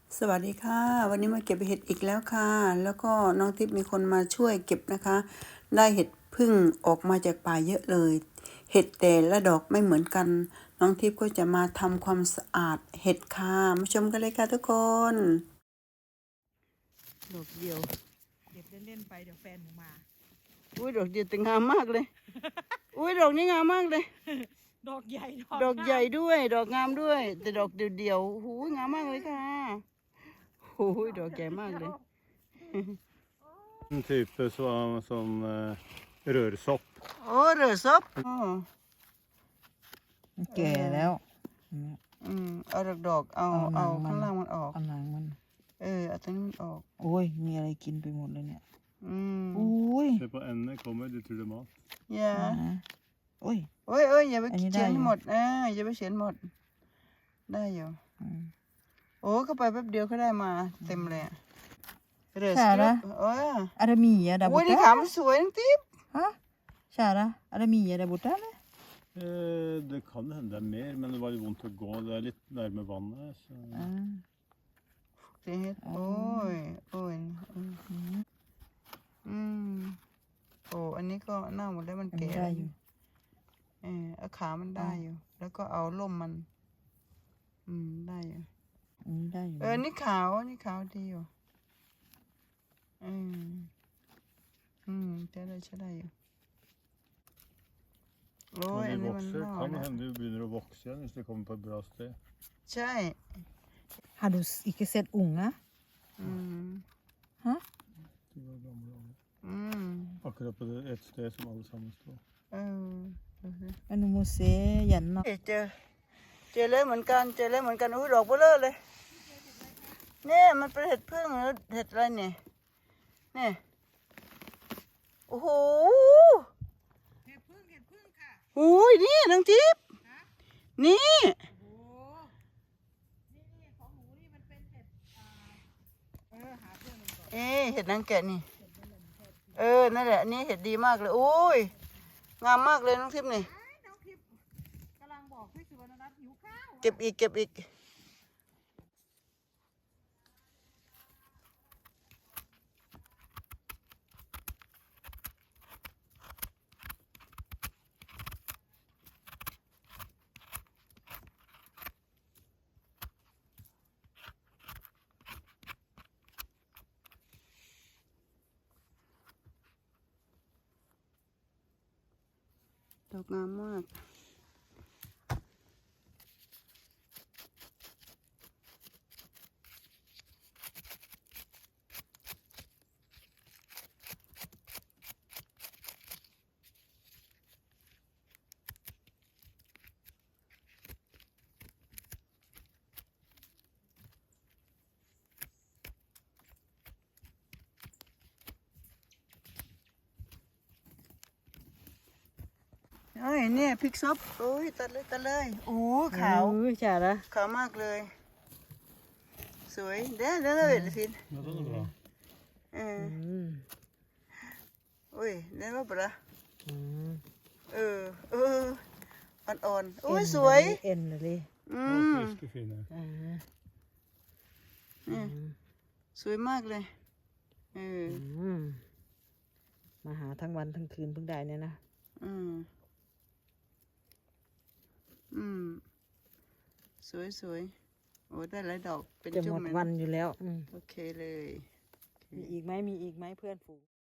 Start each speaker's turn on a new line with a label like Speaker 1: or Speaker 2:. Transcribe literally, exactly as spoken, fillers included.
Speaker 1: สวัสดีค่ะวันนี้มาเก็บเห็ดอีกแล้วค่ะแล้วก็น้องทิพย์มีคนมาช่วยเก็บนะคะได้เห็ดพึ่งออกมาจากป่าเยอะเลยเห็ดแต่ละดอกไม่เหมือนกันน้องทิพย์ก็จะมาทำความสะอาดเห็ดค่ะมาชมกันเลยค่ะทุกคนดอกเดียว
Speaker 2: เก็บเล่นๆไปเดี๋ยวแฟนหนูมา
Speaker 1: อุ้ยดอกเดียวแต่งามมากเลยอุ้ยดอกนี้งามมากเลย
Speaker 2: ดอกใหญ่
Speaker 1: ดอกใหญ่ด้วยดอกงามด้วยแต่ดอกเดียวๆหูยงามมากเลยค่ะหูยดอกใหญ่มากเลย
Speaker 3: En type som, som uh, rørsopp.
Speaker 1: โอ้เรือซบอ๋อ
Speaker 2: แก่แล้ว
Speaker 1: อืมเอาดอกดอกเอาเอาข้างล่างมันออก
Speaker 2: เอาหนังมัน
Speaker 1: เออเอาตรงนี้มันออก
Speaker 2: โอ้ยมีอะไรกินไปหมดเลยเนี่ย
Speaker 1: อืม
Speaker 2: อุ้ย
Speaker 3: Se på endene kommer, du tror det er mat.
Speaker 1: อย่า
Speaker 2: โอ้ย
Speaker 1: โอ้ยเอ้ยอย่าไป
Speaker 2: อันนี้
Speaker 1: เขียน
Speaker 2: ได้อยู่
Speaker 1: หมดเอออย่าไปเขียนหมดได้อยู่
Speaker 2: อืม
Speaker 1: โอ้เข้าไปแป๊บเดียวก็ได้มาเต็มเลยอะเรือ
Speaker 2: ใช่
Speaker 1: ส
Speaker 2: นะ
Speaker 1: เออ
Speaker 2: Ada Mia där
Speaker 1: โอ้ย
Speaker 2: borta?
Speaker 1: นี่ขามันสวยน้องติ๊บ
Speaker 2: Ha? Kära, ada Mia där borta eller?
Speaker 3: Eh, det kan hende det er mer, men det var litt vondt å gå. Det er litt nærme vannet. Så.
Speaker 2: Ja.
Speaker 1: เสียเห็ดโอ้ยโอ้ยอืมอืมโอ้อันนี้ก็เน่าหมดแล้วมัน
Speaker 2: อัน
Speaker 1: แก่
Speaker 2: นี้ได้อยู่
Speaker 1: เออเอาขามันได้อยู่ แล้วก็เอาล่มมัน อืมได้อยู่
Speaker 2: อันนี้ได้อยู่
Speaker 1: เออนี่ขาวนี่ขาวดีอยู่อืมอืมใช้ได้ใช้ได้อยู่โอ้ย
Speaker 3: Når
Speaker 1: อั
Speaker 3: de
Speaker 1: นนี้มัน
Speaker 3: vokser,
Speaker 1: เน่า
Speaker 3: kan det
Speaker 1: แล้ว
Speaker 3: hende de begynner å vokse igjen hvis de kommer på et bra sted.
Speaker 1: ใช่
Speaker 2: Har du ikke sett unga?
Speaker 1: อืม
Speaker 2: Ha?
Speaker 3: De var gamle, alle.
Speaker 1: อืม
Speaker 3: Akkurat på det, et sted som alle sammen står.
Speaker 1: เออดูสิ
Speaker 2: Men du må se gjennom
Speaker 1: เอ๊ะเจอเจอเลยเหมือนกันเจอเลยเหมือนกันอุ้ยดอกเบลอเลยเนี่ยมันเป็นเห็ดพึ่งหรือเห็ดอะไรเนี่ยเนี่ยโอ้โห
Speaker 2: เห็ดพึ่งเห็ดพึ่งค่ะ
Speaker 1: โอ้ยนี่น้องทิพย์นี่
Speaker 2: โอ้นี่นี่ของหนูนี่มันเป็นเห็ดอ่าเออหาเพื่อนมันก่อน
Speaker 1: เอ๊ะเห็ดนางแกะนี่เออนั่นแหละอันนี่เห็ดดีมากเลยโอ้ยงามมากเลยน้องทิพย์นี่
Speaker 2: ไอ้น้องทิพย์กำลังบอกพี่สุวรรณรัตน์หิวข้าว
Speaker 1: เก็บอีกเก็บอีกดอกงามมากเอ้ยเนี่ยพริกซบโอ้ยตัดเลยตัดเลยโอ้ขาว
Speaker 2: เออจ้าละ
Speaker 1: ขาวมากเลย สวยเด้อเด้อเด็ดฟิน
Speaker 3: Ja, den er bra.
Speaker 1: เออ
Speaker 2: อืม
Speaker 1: โอ้ยได้ว่าปะละ
Speaker 2: อืม
Speaker 1: เออเอออ่อนๆโอ้ยสวย
Speaker 2: เอ็นเลย
Speaker 1: อื
Speaker 3: Og
Speaker 1: ม
Speaker 3: friske, fine.
Speaker 2: อ่า
Speaker 1: เนี่ยสวยมากเลยเออ
Speaker 2: อืมมาหาทั้งวันทั้งคืนเพิ่งได้เนี่ยนะ
Speaker 1: อืมอืมสวยสวยโอ้ได้หลายดอกเป็น
Speaker 2: จะห
Speaker 1: จุ่
Speaker 2: ม
Speaker 1: ม
Speaker 2: ด
Speaker 1: เลย
Speaker 2: วัน
Speaker 1: นะ
Speaker 2: อยู่แล้วอืม
Speaker 1: โอเคเลย
Speaker 2: มีอีกไหมมีอีกไหมเพื่อนฝูง